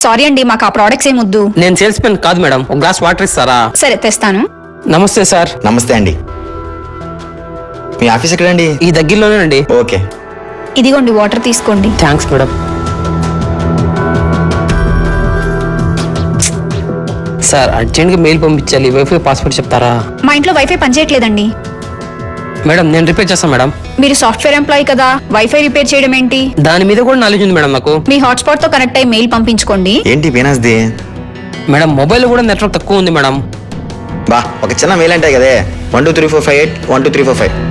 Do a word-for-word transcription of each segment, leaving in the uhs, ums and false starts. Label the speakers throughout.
Speaker 1: Sorry అండి, మాకు ఆ ప్రోడక్ట్స్ ఏం వద్దు.
Speaker 2: నేను సేల్స్ మెన్ కాదు మేడం, ఒక గ్లాస్ వాటర్ ఇస్తారా?
Speaker 1: సరే తెస్తాను.
Speaker 2: నమస్తే సార్.
Speaker 3: నమస్తే అండి. మీ ఆఫీస్ ఎక్కడండి?
Speaker 2: ఈ దగ్గరలోనేనండి.
Speaker 3: ఓకే,
Speaker 1: ఇదిగోండి వాటర్ తీసుకోండి.
Speaker 2: Thanks madam. సార్ అర్జెంట్గా మెయిల్ పంపించాలి, వైఫై పాస్వర్డ్ చెప్తారా?
Speaker 1: మా ఇంట్లో వైఫై పనిచేయట్లేదండి.
Speaker 2: మేడం నేను రిపేర్ చేస్తాను మేడం.
Speaker 1: మీరు సాఫ్ట్వేర్ ఎంప్లాయీ కదా, వైఫై రిపేర్ చేయడం ఏంటి?
Speaker 2: దాని మీద కూడా నాలెడ్జ్ ఉంది మేడం నాకు.
Speaker 1: మీ హాట్స్పాట్ తో కనెక్ట్ అయ్యి మెయిల్ పంపించుకోండి.
Speaker 3: ఏంటి పీనాస్ది?
Speaker 2: మేడం మొబైల్ కూడా నెట్వర్క్ తక్కువ ఉంది మేడం.
Speaker 3: బా, ఒక చిన్న మెయిల్ అంటే కదే, one two three four five eight one two three four five.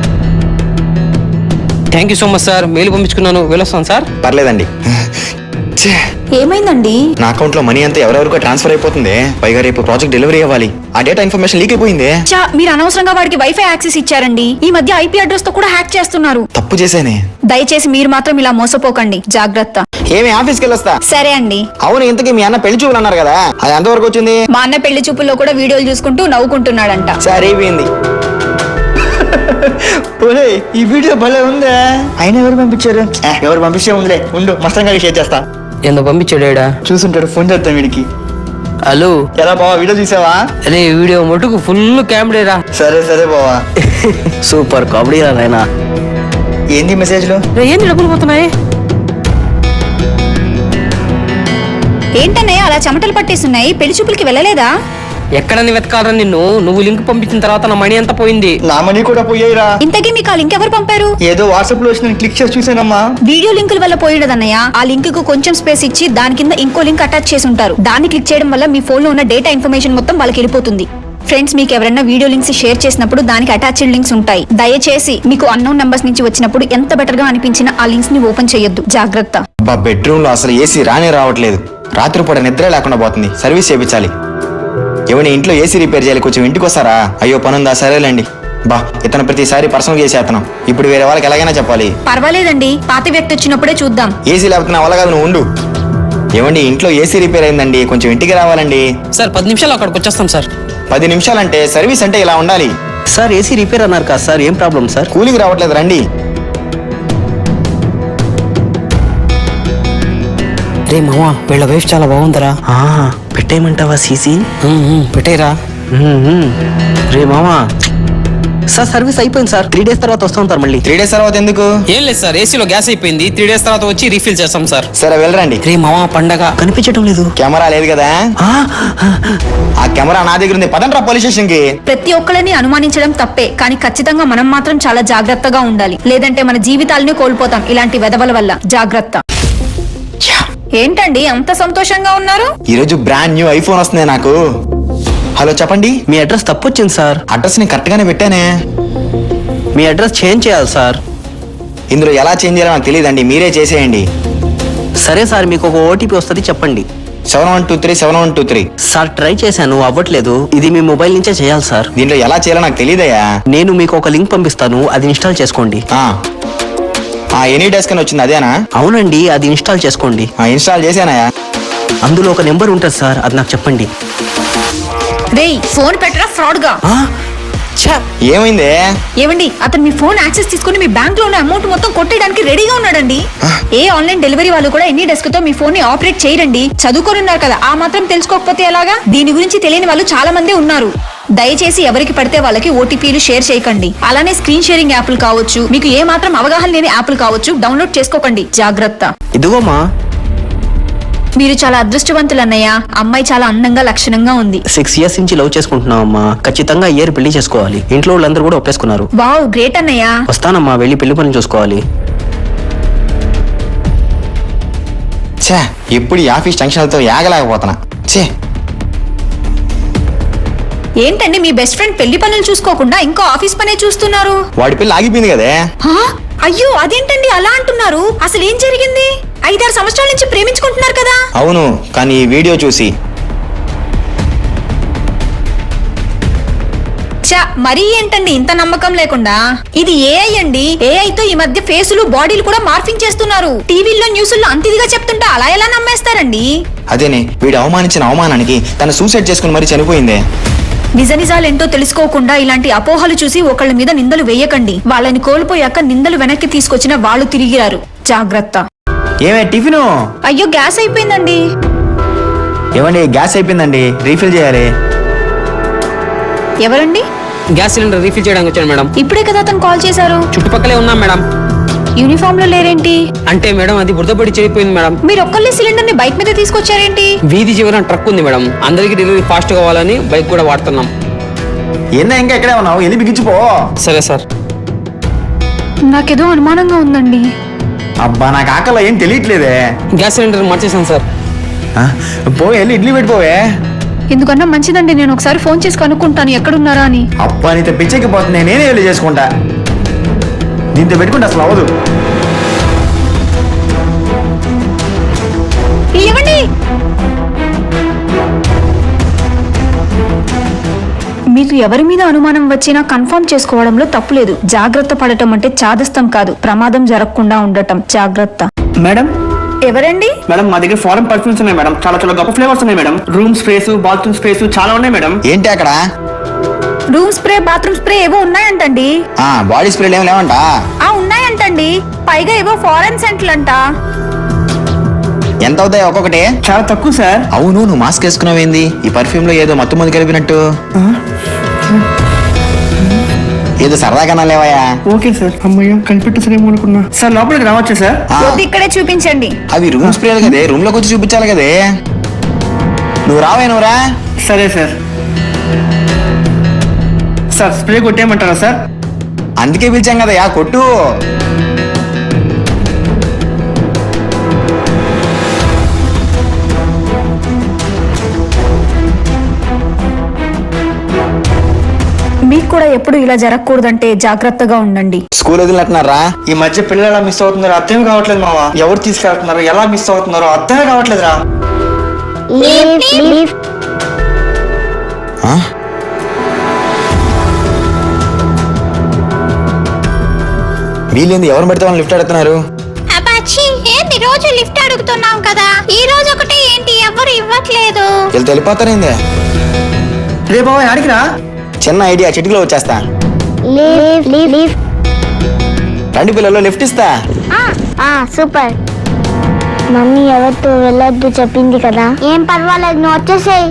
Speaker 2: Thank you so much sir. Mail పంపించుకున్నాను, వెళ్ళొస్తాను సార్.
Speaker 3: పర్లేదండి.
Speaker 1: ఏమైందండి?
Speaker 3: నా అకౌంట్ లో మనీ అంతా ఎవరెవరికో ట్రాన్స్ఫర్ అయిపోతుంది. పైగా రేపు ప్రాజెక్ట్ డెలివరీ అవ్వాలి. ఆ డేటా ఇన్ఫర్మేషన్ లీక్ అయిపోయింది.
Speaker 1: చా, మీరు అనవసరంగా వాడికి వైఫై యాక్సెస్ ఇచ్చారండి. ఈ మధ్య ఐపీ అడ్రస్ తో కూడా హ్యాక్ చేస్తున్నారు.
Speaker 3: తప్పు చేశానే.
Speaker 1: దయచేసి మీరు మాత్రం ఇలా మోసపోకండి, జాగ్రత్త.
Speaker 3: ఏమి ఆఫీస్కి వెళ్ళొస్తా.
Speaker 1: సరే అండి.
Speaker 3: అవును, ఇంతకీ మీ అన్న పెళ్లి చూపులు అన్నారు కదా, అది ఎంతవరకు వచ్చింది?
Speaker 1: మా అన్న పెళ్లి చూపుల్లో కూడా వీడియోలు చూసుకుంటూ నవ్వుకుంటున్నాడంట.
Speaker 3: సరే అయిపోయింది. ఈ వీడియో భలే ఉందే. అయినా ఎవరు పంపించారు? ఎవరు పంపిస్తే ఉందిలే, ఉండు మస్తంగా షేర్ చేస్తా.
Speaker 2: ఎందుకు పంపించాడా?
Speaker 3: చూసుంటాడు, ఫోన్ చేద్దాం వీడికి.
Speaker 2: హలో,
Speaker 3: ఎలా బావా, వీడియో చూసావా?
Speaker 2: అరే వీడియో మటుకు ఫుల్ కామెడీరా.
Speaker 3: సరే సరే బావా.
Speaker 2: సూపర్ కామెడీ రా నాయనా.
Speaker 3: ఏంటి మెసేజ్లు?
Speaker 2: ఏంటి డబ్బులు పోతున్నాయి?
Speaker 1: ఏంటన్నయ్య అలా చెమటలు పట్టేస్తున్నాయి? పెళ్లి చూపులకి వెళ్ళలేదా?
Speaker 2: ఎక్కడని వెతకాలరా నిన్ను? నువ్వు లింక్ పంపించిన తర్వాత నా మనీ అంతా పోయింది.
Speaker 3: నా మనీ కూడా పోయాయిరా.
Speaker 1: ఇంతకీ మీకు ఆ లింక్ ఎవరు పంపారు?
Speaker 3: ఏదో వాట్సాప్ లో నేను క్లిక్ చేసి చూసానమ్మా.
Speaker 1: వీడియో లింకుల వల్ల పోయినదన్నయ్య. ఆ లింక్ కు కొంచెం స్పేస్ ఇచ్చి దాని కింద ఇంకో లింక్ అటాచ్ చేసి ఉంటారు. దాన్ని క్లిక్ చేయడం వల్ల మీ ఫోన్ లో ఉన్న డేటా ఇన్ఫర్మేషన్ మొత్తం వాళ్ళకి వెళ్ళిపోతుంది. ఫ్రెండ్స్, మీకు ఎవరైనా వీడియో లింక్స్ షేర్ చేసినప్పుడు దానికి అటాచ్డ్ లింక్స్ ఉంటాయి. దయచేసి మీకు అన్నోన్ నంబర్స్ నుంచి వచ్చినప్పుడు ఎంత బెటర్ గా అనిపించిన ఆ లింక్స్ ని ఓపెన్ చేయొద్దు, జాగ్రత్త.
Speaker 3: బా, బెడ్రూమ్ లో అసలు ఏసీ రానే రావట్లేదు. రాత్రిపూట నిద్ర లేకుండా పోతుంది. సర్వీస్ చేయించాలి. ఏమైనా ఇంట్లో ఏసీ రిపేర్ చేయాలి, కొంచెం ఇంటికి వస్తారా? అయ్యో పనుందా? సరేలేండి. బా, ఇతను ప్రతిసారి పర్సనల్ చేసేతను. ఇప్పుడు వేరే వాళ్ళకి ఎలాగైనా చెప్పాలి.
Speaker 1: పర్వాలేదండి, పాత వ్యక్తి వచ్చినప్పుడే చూద్దాం.
Speaker 3: ఏసీ లేకపోతే నా వల్ల కాదు, నువ్వు ఉండు. ఏమండి, ఇంట్లో ఏసీ రిపేర్ అయిందండి, కొంచెం ఇంటికి రావాలండి.
Speaker 2: సార్ పది నిమిషాలు అక్కడికి వచ్చేస్తాం సార్.
Speaker 3: పది నిమిషాలంటే సర్వీస్ అంటే ఇలా ఉండాలి.
Speaker 2: సార్ ఏసీ రిపేర్ అన్నారు కదా సార్, ఏం ప్రాబ్లం సార్?
Speaker 3: కూలింగ్ రావట్లేదు, రండి.
Speaker 2: రే మామా, వీళ్ళ వైఫ్ చాలా బాగుందరా.
Speaker 3: పెట్టేయమంటావా సీసీ?
Speaker 2: పెట్టేరా.
Speaker 3: రే మామా,
Speaker 2: సార్ సర్వీస్ అయిపోయింది సార్. త్రీ డేస్ తర్వాత వస్తాం సార్ మళ్ళీ.
Speaker 3: త్రీ డేస్ తర్వాత ఎందుకు?
Speaker 2: ఏం లేదు సార్, ఏసీలో గ్యాస్ అయిపోయింది. త్రీ డేస్ తర్వాత వచ్చి రీఫిల్ చేస్తాం సార్.
Speaker 3: సరే వెళ్ళరండి.
Speaker 2: రే మామా, పండగ కనిపించడం లేదు.
Speaker 3: కెమెరా లేదు కదా? ఆ కెమెరా నా దగ్గర ఉంది, పదండ్రా పోలీస్ స్టేషన్ కి.
Speaker 1: ప్రతి ఒక్కరిని అనుమానించడం తప్పే, కానీ ఖచ్చితంగా మనం మాత్రం చాలా జాగ్రత్తగా ఉండాలి. లేదంటే మన జీవితాలని కోల్పోతాం ఇలాంటి వెధవల వల్ల. జాగ్రత్త. ఏంటండి అంత సంతోషంగా ఉన్నారు?
Speaker 3: ఈ రోజు బ్రాండ్ న్యూ ఐఫోన్ వస్తుంది నాకు. హలో చెప్పండి.
Speaker 2: మీ అడ్రస్ తప్పు వచ్చింది సార్.
Speaker 3: అడ్రస్ ని కరెక్ట్ గానే పెట్టానే.
Speaker 2: మీ అడ్రస్ చేంజ్ చేయాలి సార్.
Speaker 3: ఇందులో ఎలా చేంజ్ చేయాలో నాకు తెలియదండి, మీరే చేసేయండి.
Speaker 2: సరే సార్, మీకు ఒక ఓటీపీ వస్తుంది, చెప్పండి.
Speaker 3: Seven one two three seven one two three.
Speaker 2: Sir try చేశాను, అవ్వట్లేదు. ఇది మీ మొబైల్ నుంచే చేయాలి సార్.
Speaker 3: దీంట్లో ఎలా చేయాలో నాకు తెలియదయ్యా.
Speaker 2: నేను మీకు ఒక లింక్ పంపిస్తాను, అది ఇన్స్టాల్ చేసుకోండి.
Speaker 3: ఆ ఎనీ డెస్క్ అని వచ్చింది, అదేనా?
Speaker 2: అవునండి, అది ఇన్స్టాల్ చేసుకోండి.
Speaker 3: ఇన్స్టాల్ చేశానయా.
Speaker 2: అందులో ఒక నెంబర్ ఉంటుంది సార్, అది నాకు చెప్పండి.
Speaker 1: రేయ్, ఫోన్ పెట్టరా ఫ్రాడ్ గా.
Speaker 3: ఏమైంది?
Speaker 1: ఏమండి, అతను మీ ఫోన్ యాక్సెస్ తీసుకుని మీ బ్యాంక్ లో ఉన్న అమౌంట్ మొత్తం కొట్టేయడానికి రెడీగా ఉన్నాడండి. ఏ ఆన్లైన్ డెలివరీ వాళ్ళు కూడా ఎన్ని డెస్క్ తో మీ ఫోన్ ని ఆపరేట్ చేయరండి. చదువుకొని ఉన్నారు కదా, ఆ మాత్రం తెలుసుకోకపోతే ఎలాగా? దీని గురించి తెలియని వాళ్ళు చాలా మంది ఉన్నారు. దయచేసి ఎవరికి పడితే వాళ్ళకి ఓటీపీలు షేర్ చేయకండి. అలానే స్క్రీన్ షేరింగ్ యాప్లు కావచ్చు, మీకు ఏ మాత్రం అవగాహన లేని యాప్లు కావచ్చు, డౌన్లోడ్ చేసుకోకండి. జాగ్రత్త.
Speaker 2: ఇదిగోమా,
Speaker 1: మీరు చాలా అదృష్టవంతులు అన్నయ్య. అమ్మాయి చాలా అందంగా లక్షణంగా ఉంది.
Speaker 2: సిక్స్ ఇయర్స్ నుంచి లవ్ చేసుకుంటున్నావమ్మా. ఖచ్చితంగా ఇయర్ పెళ్లి చేసుకోవాలి. ఇంట్లో వాళ్ళందరూ కూడా ఒప్పేసుకున్నారు.
Speaker 1: వావ్, గ్రేట్ అన్నయ్య.
Speaker 2: వస్తానమ్మా, వెళ్ళి పెళ్లి పనులు చూసుకోవాలి.
Speaker 3: ఛే, ఎప్పుడు ఈ ఆఫీస్ టెన్షన్లతో యాగలేకపోతున్నా. ఛే,
Speaker 1: ఏంటండి మీ బెస్ట్ ఫ్రెండ్ పెళ్లి పనులు చూసుకోకుండా ఇంకో ఆఫీస్ పనే చూస్తున్నారు?
Speaker 3: వాడి పిల్ల ఆగిపోయింది కదే.
Speaker 1: హా? అయ్యో, అదేంటండి అలా అంటున్నారు? అసలు ఏం జరిగింది? ఐదారు సంవత్సరాల నుంచి ప్రేమించుకుంటున్నారు కదా?
Speaker 3: అవును, కానీ ఈ వీడియో చూసి
Speaker 1: చా, మరీ ఏంటండి ఇంత నమ్మకం లేకుండా? ఇది ఏఐ అండి. ఏఐ తో ఈ మధ్య ఫేసులు బాడీలు కూడా మార్ఫింగ్ చేస్తున్నారు. టీవీల్లో న్యూస్లో అంతిదిగా చెప్తుంటే అలా ఎలా నమ్మేస్తారండి?
Speaker 3: అదేనే, వీడు అవమానించిన అవమానానికి తను సూసైడ్ చేసుకుని మరీ చనిపోయిందే.
Speaker 1: నిజ నిజాలేంటో తెలుసుకోకుండా ఇలాంటి అపోహలు చూసి ఒకళ్ళ మీద నిందలు వేయకండి. వాళ్ళని కోల్పోయాక నిందలు వెనక్కి తీసుకొచ్చిన వాళ్ళు తిరిగిరారు. జాగ్రత్త.
Speaker 3: ఏమే టిఫిను?
Speaker 1: అయ్యో, గ్యాస్ అయిపోయిందండి.
Speaker 3: ఏమండి గ్యాస్ అయిపోయిందండి, రీఫిల్ చేయాలి.
Speaker 1: ఎవరండి?
Speaker 4: గ్యాస్ సిలిండర్ రీఫిల్ చేయడానికి వచ్చాను మేడం.
Speaker 1: ఇప్పుడే కదా అతను కాల్ చేశారు.
Speaker 4: చుట్టుపక్కలే ఉన్నాం మేడం.
Speaker 1: యూనిఫామ్ లో లేరేంటి?
Speaker 4: అంటే మేడం అది బురదపడి చెడిపోయింది మేడం.
Speaker 1: మీరు ఒక్కళ్ళే సిలిండర్ ని బైక్ మీద తీసుకొచ్చారేంటి?
Speaker 4: వీధి చివరన ట్రక్ ఉంది మేడం, అందరికి డెలివరీ ఫాస్ట్ కావాలని బైక్ కూడా వాడుతున్నాం.
Speaker 3: ఏందా ఇంకా ఎక్కడే ఉన్నావు, వెళ్ళి బిగించిపో.
Speaker 4: సరే సార్.
Speaker 1: నాకేదో అనుమానంగా ఉందండి.
Speaker 3: అబ్బా నాకు ఆకలి ఏం తెలియట్లేదే.
Speaker 4: గ్యాస్ సిలిండర్ మార్చేసాను సార్.
Speaker 3: ఆ, పోయి వెళ్ళి ఇడ్లీ పెట్టుకోవే.
Speaker 1: ఎందుకన్నా మంచిదండి, నేను ఒకసారి ఫోన్ చేసి కనుక్కుంటాను ఎక్కడున్నారా అని.
Speaker 3: అబ్బా నీతో పిచ్చెక్కిపోతుంది, నేనే వెళ్ళి చేసుకుంటా. దీంతో పెట్టుకుంటే అసలు అవ్వదు.
Speaker 1: ఏమండి, మీకు ఎవరి మీద అనుమానం వచ్చినా కన్ఫర్మ్ చేసుకోవడంలో తప్పులేదు. జాగ్రత్త పడటం అంటే చాదస్తం కాదు, ప్రమాదం జరగకుండా ఉండటం జాగ్రత్త.
Speaker 5: మేడం
Speaker 1: ఎవరండి?
Speaker 5: మేడం మా దగ్గర ఫారెన్ పర్ఫ్యూమ్స్ ఉన్నాయి మేడం, చాలా చాలా గొప్ప ఫ్లేవర్స్ ఉన్నాయి madam. Room sprays, bathroom sprays చాలా ఉన్నాయి మేడం.
Speaker 3: ఏంటి అక్కడ?
Speaker 1: రూమ్ స్ప్రే, బాత్రూమ్ స్ప్రే ఏవో ఉన్నాయంటండి.
Speaker 3: ఆ బాడీ స్ప్రేలు ఏమి లేవంట.
Speaker 1: ఆ ఉన్నాయంటండి, పైగా ఏవో ఫారెన్ సెంట్లు అంట.
Speaker 3: ఎంత అవుతాయి ఒక్కొక్కటి?
Speaker 5: చాలా తక్కువ సార్.
Speaker 3: అవును, నువ్వు మాస్క్ వేసుకున్నావేంది? ఈ పర్ఫ్యూమ్ లో ఏదో మత్తు మంది కలిపినట్టు. ఏదో సరదాగా లేవయా?
Speaker 5: Okay sir. అమ్మయ్య కనిపెట్టేసారేమో అనుకున్నా. సార్ లోపలికి రావచ్చా సార్?
Speaker 3: ఆ,
Speaker 1: వద్దు, ఇక్కడే చూపించండి.
Speaker 3: అవి రూమ్ స్ప్రేలు కదే, రూమ్ లోకి వచ్చి చూపించాలి కదే. నువ్వు రావే, నువ్వు రా.
Speaker 5: సరే సార్. సార్ స్ప్రే కొట్టేయమంటారా సార్?
Speaker 3: అందుకే పిలిచాం కదయా, కొట్టు.
Speaker 1: మీకు కూడా ఎప్పుడు ఇలా జరగకూడదంటే జాగ్రత్తగా ఉండండి.
Speaker 3: స్కూల్ వదిలినట్టున్నారా?
Speaker 5: ఈ మధ్య పిల్లలు ఎలా మిస్ అవుతున్నారో అర్థం కావట్లేదు మావా. ఎవరు తీసుకెళ్తున్నారో, ఎలా మిస్ అవుతున్నారో అర్థమే కావట్లేదురా.
Speaker 3: ఆ? వీళ్ళేంది ఎవరు పెడితే వాళ్ళు లిఫ్ట్ అడుగుతున్నారు?
Speaker 6: అబ్బాచి ఏంది రోజు లిఫ్ట్ అడుగుతున్నాం కదా, ఈ రోజు ఒకటి ఏంటి ఎవరు ఇవ్వట్లేదు?
Speaker 3: వీళ్ళు వెళ్ళిపోతారేంది?
Speaker 5: రే బాబా ఆడికి రా.
Speaker 3: చిన్న ఐడియా, చిటికలో వచ్చేస్తా. రండి పిల్లలు, లిఫ్ట్ ఇస్తా.
Speaker 6: సూపర్. మమ్మీ ఎవరితో వెళ్ళొద్దు చెప్పింది కదా. ఏం పర్వాలేదు, నువ్వు వచ్చేసేయ్.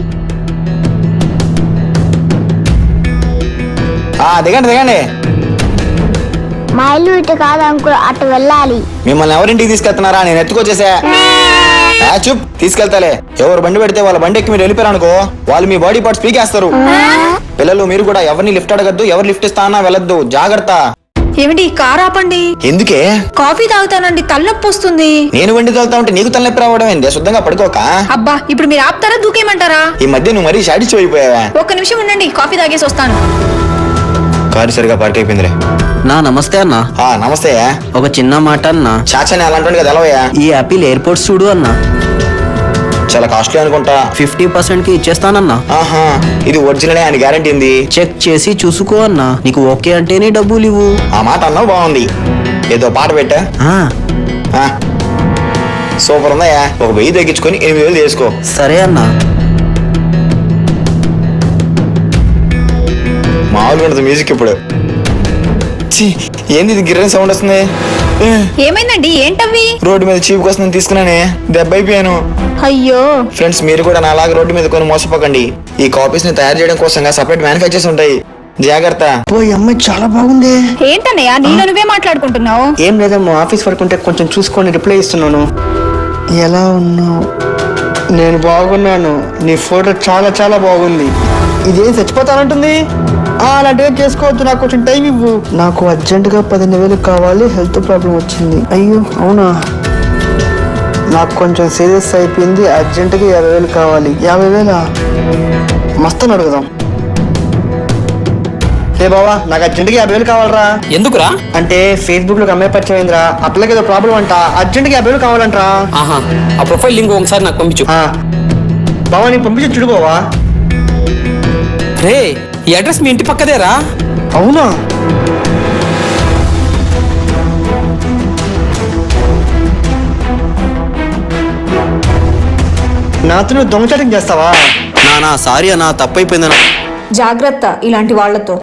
Speaker 3: ఆ దిగండి దిగండి.
Speaker 6: మా ఇల్లు ఇటు కాదు అంకుల్, అటు వెళ్ళాలి.
Speaker 3: మిమ్మల్ని ఎవరింటికి తీసుకెళ్తున్నారా? నేను ఎత్తుకొచ్చేసా. ఆ, చూప్ తీసుకెళ్తాలే. ఎవరు బండి పెడితే వాళ్ళ బండి ఎక్కి మీరు వెళ్ళిపోయారు అనుకో, వాళ్ళు మీ బాడీ పార్ట్స్ పీకేస్తారు. పిల్లలు మీరు కూడా ఎవరిని లిఫ్ట్ అడగద్దు, ఎవరు లిఫ్ట్ ఇస్తా అన్నా వెళ్ళొద్దు, జాగ్రత్త.
Speaker 1: ఏమిటి, కార్ ఆపండి.
Speaker 3: ఎందుకే?
Speaker 1: కాఫీ తాగుతానండి, తలనొప్పి వస్తుంది.
Speaker 3: నేను వండి తోలుతా ఉంటే నీకు తలనొప్పి రావడం ఏంది? శుద్ధంగా పడుకోక.
Speaker 1: అబ్బా, ఇప్పుడు మీరు ఆపుతారా దూకేయమంటారా?
Speaker 3: ఈ మధ్య నువ్వు మరీ షాడిచి అయిపోయావా?
Speaker 1: ఒక్క నిమిషం ఉండండి, కాఫీ తాగేసి వస్తాను.
Speaker 3: కారు సరిగా పార్క్ అయిపోయిందిలే.
Speaker 2: నా నమస్తే అన్న.
Speaker 3: ఆ నమస్తే.
Speaker 2: ఒక చిన్న మాట అన్న.
Speaker 3: చాచని అలాంటి కదా ఎలవయ్యా.
Speaker 2: ఈ యాపిల్ ఎయిర్పోర్ట్స్ చూడు అన్న,
Speaker 3: చాలా కాస్ట్లీ అనుకుంటా.
Speaker 2: ఫిఫ్టీ పర్సెంట్ కి ఇచ్చేస్తానన్నా.
Speaker 3: ఆహా, ఇది ఒరిజినల్ అని గ్యారంటీ ఉంది.
Speaker 2: చెక్ చేసి చూసుకో అన్నా, నీకు ఓకే అంటేనే డబ్బులు ఇవ్వు.
Speaker 3: ఆ మాట అన్నావు, బాగుంది. ఏదో పాట పెట్టా.
Speaker 2: ఆ,
Speaker 3: సూపర్ ఉందయ్యా. ఒక వెయ్యి తగ్గించుకొని ఎనిమిది వేలు చేసుకో.
Speaker 2: సరే అన్నా.
Speaker 3: మామూలుగా ఉంటుంది మ్యూజిక్ ఇప్పుడు. ఛీ, ఏంది ఇది గిర్రని సౌండ్ వస్తుంది? ఏ,
Speaker 1: ఏమైందండి, ఏంటవి?
Speaker 3: రోడ్డు మీద చీప్ కోసం తీసుకున్నానే, దెబ్బ అయిపోయాను.
Speaker 1: అయ్యో,
Speaker 3: ఫ్రెండ్స్ మీరు కూడా నాలాగా రోడ్డు మీద కొని మోసపోకండి. ఈ కాపీస్ ని తయారు చేయడం కోసం సపరేట్ మ్యానుఫ్యాక్చర్స్ ఉంటాయి, జాగ్రత్త.
Speaker 5: పోయి అమ్మాయి చాలా బాగుంది.
Speaker 1: ఏంటన్నయ్య నీలో నువ్వే మాట్లాడుకుంటున్నావు?
Speaker 5: ఏం లేదమ్మా, ఆఫీస్ వర్క్ ఉంటే కొంచెం చూసుకొని రిప్లై ఇస్తున్నాను. ఎలా ఉన్నావు? నేను బాగున్నాను. నీ ఫోటో చాలా చాలా బాగుంది. ఇదేం చచ్చిపోతానంటుంది. అలాంటివి చేసుకోవద్దు, నాకు కొంచెం టైం ఇవ్వు. నాకు అర్జెంటుగా పదిహేను వేలు కావాలి, హెల్త్ ప్రాబ్లం వచ్చింది. అయ్యో అవునా, నాకు కొంచెం సీరియస్ అయిపోయింది, అర్జెంటుగా యాభై వేలు కావాలి. యాభై వేలా? మస్తు అడుగుదాం. రే బావా, నాకు అర్జెంటుగా యాభై వేలు కావాలరా.
Speaker 4: ఎందుకురా?
Speaker 5: అంటే ఫేస్బుక్ లో అమ్మాయి పరిచయం అయిందిరా, అట్లకి ఏదో ప్రాబ్లం అంట, అర్జెంటుగా యాభై వేలు కావాలంటరా.
Speaker 4: ఆహా, ఆ ప్రొఫైల్ లింక్ ఒకసారి నాకు పంపించు.
Speaker 5: ఆ, బావా నీకు పంపించి చూడు బావా.
Speaker 4: రే, ఈ అడ్రస్ మీ ఇంటి పక్కదేరా?
Speaker 5: అవునా? నాతో నువ్వు దొంగచాటింగ్ చేస్తావా?
Speaker 2: నా నా సారీ అన్న, తప్పైపోయిందన్నా.
Speaker 1: జాగ్రత్త ఇలాంటి వాళ్లతో.